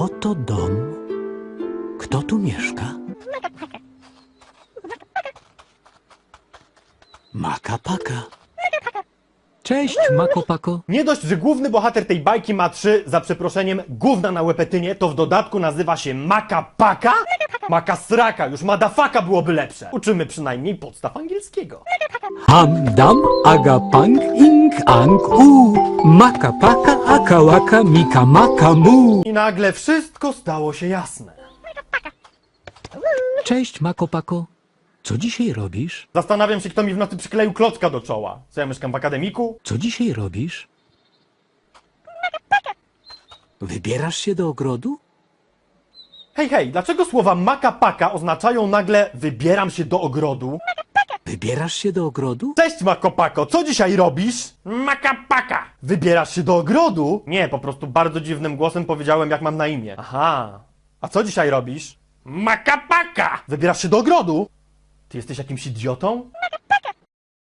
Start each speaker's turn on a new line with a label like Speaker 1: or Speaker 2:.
Speaker 1: oto dom. Kto tu mieszka? Maka-paka.
Speaker 2: Cześć, Mako Pako.
Speaker 3: Nie dość, że główny bohater tej bajki ma 3, za przeproszeniem, gówna na łepetynie, to w dodatku nazywa się Maka-paka? Maka-sraka, już madafaka byłoby lepsze. Uczymy przynajmniej podstaw angielskiego.
Speaker 2: Ham, dam, aga, pang, ing, ang, u. Maka Paka, aka, waka, mika, maka, mu.
Speaker 3: I nagle wszystko stało się jasne.
Speaker 2: Cześć, Mako Pako. Co dzisiaj robisz?
Speaker 3: Zastanawiam się, kto mi w nocy przykleił klocka do czoła. Co, ja mieszkam w akademiku?
Speaker 2: Co dzisiaj robisz?
Speaker 1: Wybierasz się do ogrodu?
Speaker 3: Hej, hej, dlaczego słowa maka-paka oznaczają nagle wybieram się do ogrodu?
Speaker 1: Wybierasz się do ogrodu?
Speaker 3: Cześć, Makopako, co dzisiaj robisz? Maka-paka! Wybierasz się do ogrodu? Nie, po prostu bardzo dziwnym głosem powiedziałem, jak mam na imię. Aha. A co dzisiaj robisz? Maka-paka! Wybierasz się do ogrodu? Ty jesteś jakimś idiotą?